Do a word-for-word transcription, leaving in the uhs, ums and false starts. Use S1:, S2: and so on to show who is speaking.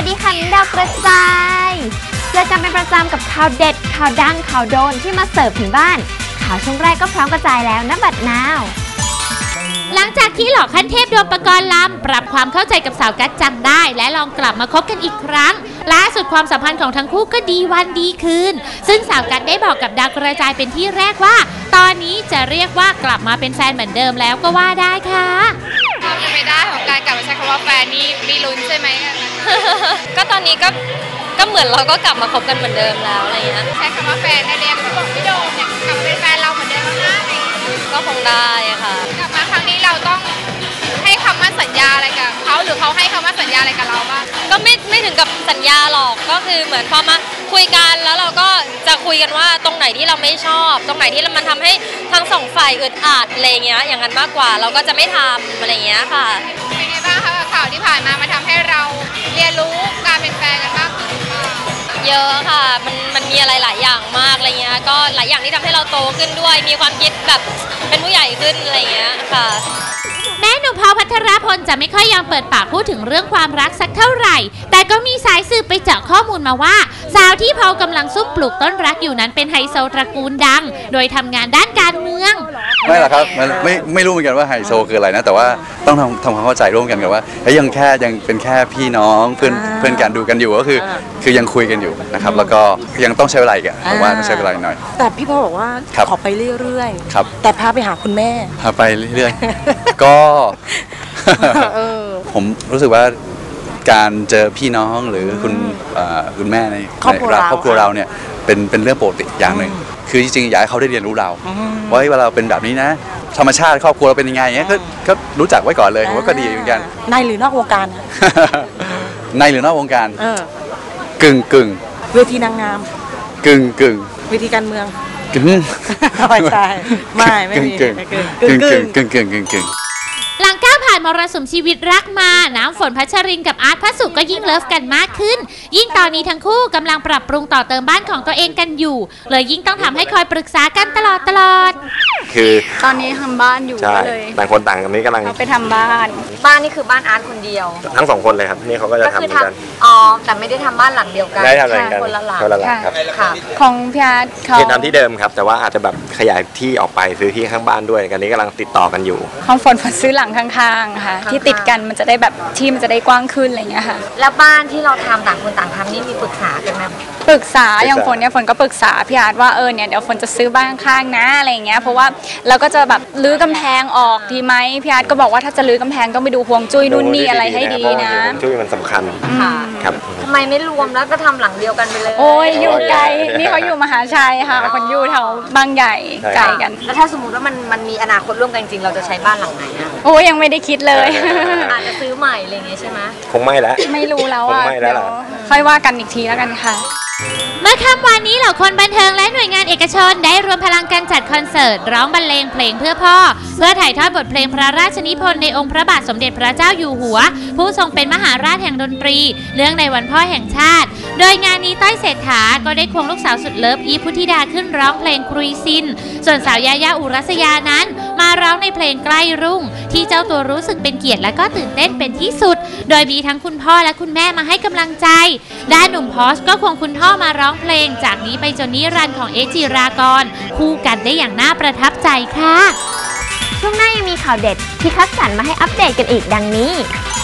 S1: ดีค่ะดาวกระจายเจอกันเป็นประจำกับข่าวเด็ดข่าวดังข่าวโดนที่มาเสิร์ฟถึงบ้านข่าวช่วงแรกก็พร้อมกระจายแล้วนะบัดนาว
S2: หลังจากที่หล่อขั้นเทพโดมปกรณ์ลำปรับความเข้าใจกับสาวกัจจังได้และลองกลับมาคบกันอีกครั้งล่าสุดความสัมพันธ์ของทั้งคู่ก็ดีวันดีคืนซึ่งสาวกัจได้บอกกับดาวกระจายเป็นที่แรกว่าตอนนี้จะเรียกว่ากลับมาเป็นแฟนเหมือนเดิมแล้วก็ว่าได้ค่ะ
S3: ความเป็นไปได้ของการกลับมาใช้คำว่าแฟนนี่มีลุ้นใช่ไหม ก็ตอนนี้ก็ก็เหมือนเราก็กลับมาคบกันเหมือนเดิมแล้วอะไรเงี้ยใช้คำว่าแฟนได้เลยพี่บอกพี่โดมเนี่ยกลับมาเป็นแฟนเราเหมือนเดิมแล้วนะอะไรก็คงได้ค่ะกลับมาครั้งนี้เราต้องให้คำมั่นสัญญาอะไรกับเขาหรือเขาให้คำมั่นสัญญาอะไรกับเราบ้างก็ไม่ไม่ถึงกับสัญญาหรอกก็คือเหมือนพอมาคุยกันแล้วเราก็จะคุยกันว่าตรงไหนที่เราไม่ชอบตรงไหนที่มันทำให้ทั้งสองฝ่ายอึดอัดอะไรเงี้ยอย่างนั้นมากกว่าเราก็จะไม่ทำอะไรเงี้ยค่ะเป็นไงบ้างคะข่าวที่ผ่านมามาทำให้เราเรียนรู้การเป็นแฟนกันมากขึ้นเยอะค่ะมันมันมีอะไรหลายอย่างมากอะไรเงี้ยก็หลายอย่างที่ทำให้เราโตขึ้นด้วยมีความคิดแบบเป็นผู้ใหญ่ขึ้นอะไรเงี้ยค่ะ
S2: แม้หนุ่มพอล พัทรพลจะไม่ค่อยยอมเปิดปากพูดถึงเรื่องความรักสักเท่าไหร่แต่ก็มีสายสืบไปเจาะข้อมูลมาว่าสาวที่พอลกำลังซุ่มปลูกต้นรักอยู่นั้นเป็นไฮโซตระกูลดังโดยทำงานด้านการเมือง
S4: ไม่หรอกครับมันไม่ไม่รู้เหมือนกันว่าไฮโซคืออะไรนะแต่ว่าต้องทำทำความเข้าใจร่วมกันกับว่ายังแค่ยังเป็นแค่พี่น้องเพื่อนเพื่อนกันดูกันอยู่ก็คือคือยังคุยกันอยู่นะครับแล้วก็ยังต้องใช้เวลาอีกผมว่าต้องใช้เวลาหน่อย
S5: แต่พี่พอลบอกว่าขอไปเรื่อยๆแต่พาไปหาคุณแม่
S4: พาไปเรื่อยๆก็ผมรู้สึกว่าการเจอพี่น้องหรือคุณคุณแม่ในครอบครัวเราครอบครัวเราเนี่ยเป็นเป็นเรื่องปกติอย่างหนึ่งคือจริงๆอยากให้เขาได้เรียนรู้เราว่าเวลาเราเป็นแบบนี้นะธรรมชาติครอบครัวเราเป็นยังไงเงี้ยก็รู้จักไว้ก่อนเลยผมว่าก็ดีเหมือนกัน
S5: ในหรือนอกวงการ
S4: ในหรือนอกวงการกึ่งกึ่ง
S5: เวทีนางงาม
S4: กึ่งกึ่ง
S5: เวทีการเมือง
S4: กึ่ง
S5: ไม่ใช่ไม่ไม่มี
S4: กึ่งกึ่งกึ่งกึ่งกึ่งกึ่งกึ่ง
S2: หลังก้าวผ่านมรสุมชีวิตรักมาน้ำฝนพัชรินกับอาร์ตพระสุก็ยิ่งเลิฟกันมากขึ้นยิ่งตอนนี้ทั้งคู่กำลังปรับปรุงต่อเติมบ้านของตัวเองกันอยู่เลยยิ่งต้องทำให้คอยปรึกษากันตลอดตลอด
S6: คือ
S3: ตอนนี้ทำบ้านอยู่
S6: เลยต่างคนต่างกันนี้กำลัง
S3: ไปทำบ้านบ้านนี่คือบ้านอาร์ตคนเดียว
S6: ทั้งสองคนเลยครับนี่เขาก็จะทำเหมือนกัน
S3: อ๋อแต่ไม่ได้ทำบ้านหลังเดียวกัน
S6: ได้ทำอะไรกัน
S3: คนละหลัง
S6: คนละหลังครับ
S3: ของพี่อาร์ตเขา
S6: ทำที่เดิมครับแต่ว่าอาจจะแบบขยายที่ออกไปซื้อที่ข้างบ้านด้วยกันนี้กำลังติดต่อกันอยู่
S7: ของฝนฝนซื้อหลังข้างๆค่ะที่ติดกันมันจะได้แบบที่มันจะได้กว้างขึ้นอะไรเงี้ยค่ะ
S3: แล้วบ้านที่เราทำต่างคนต่างทำนี่มีปรึกษากันไหม
S7: ปรึกษาอย่างฝนเนี่ยฝนก็ปรึกษาพี่อาร์ตว่าเออเนี่ยเดี๋ยวฝนจะซื้อบ้านข้างนะอะไรเงี้ยเพราะว่าเราก็จะแบบรื้อกำแพงออกดีไหมพี่อาร์ตก็บอกว่าถ้าจะรื้อกำแพงต้องไปดูฮวงจุ้ยนู่นนี่อะไรให้ดีนะ
S6: ฮวงจุ้ยมันสำคัญครับ
S3: ทำไมไม่รวมแล้วก็ทำหลังเดียวกันไปเลย
S7: โอ้ยอยู่ไกลนี่เขาอยู่มหาชัยค่ะคนอยู่แถวบางใหญ่ไกลกัน
S3: แล้วถ้าสมมติว่ามันมันมีอนาคตร่วมกันจริงเราจะใช้บ้านหลังไหนอะ
S7: โอ้ยยังไม่ได้คิดเลย
S3: อาจจะซื้อใหม่อะไรอย่างเงี้ยใช่ไหม
S6: คงไม่แล้ว
S7: ไม่รู้แล้วอ่ะเดี๋ยวค่อยว่ากันอีกทีแล้วกันค่ะ
S2: เมื่อค่ำวันนี้เหล่าคนบันเทิงและหน่วยงานเอกชนได้รวมพลังกันจัดคอนเสิร์ตร้องบรรเลงเพลงเพื่อพ่อเพื่อถ่ายทอดบทเพลงพระราชนิพนธ์ในองค์พระบาทสมเด็จพระเจ้าอยู่หัวผู้ทรงเป็นมหาราชแห่งดนตรีเนื่องในวันพ่อแห่งชาติโดยงานนี้ต้อยเศรษฐาก็ได้ควงลูกสาวสุดเลิฟอีฟพุทธิดาขึ้นร้องเพลงครุยซินส่วนสาวยายาอุรัสยานั้นมาร้องในเพลงใกล้รุ่งที่เจ้าตัวรู้สึกเป็นเกียรติและก็ตื่นเต้นเป็นที่สุดโดยมีทั้งคุณพ่อและคุณแม่มาให้กำลังใจด้านหนุ่มพอสก็ควงคุณพ่อมาร้องเพลงจากนี้ไปจนนิรันดร์ของเอจิรากรคู่กันได้อย่างน่าประทับใจค่ะ
S1: ช่วงหน้ายังมีข่าวเด็ดที่คัดสรรมาให้อัปเดตกันอีกดังนี้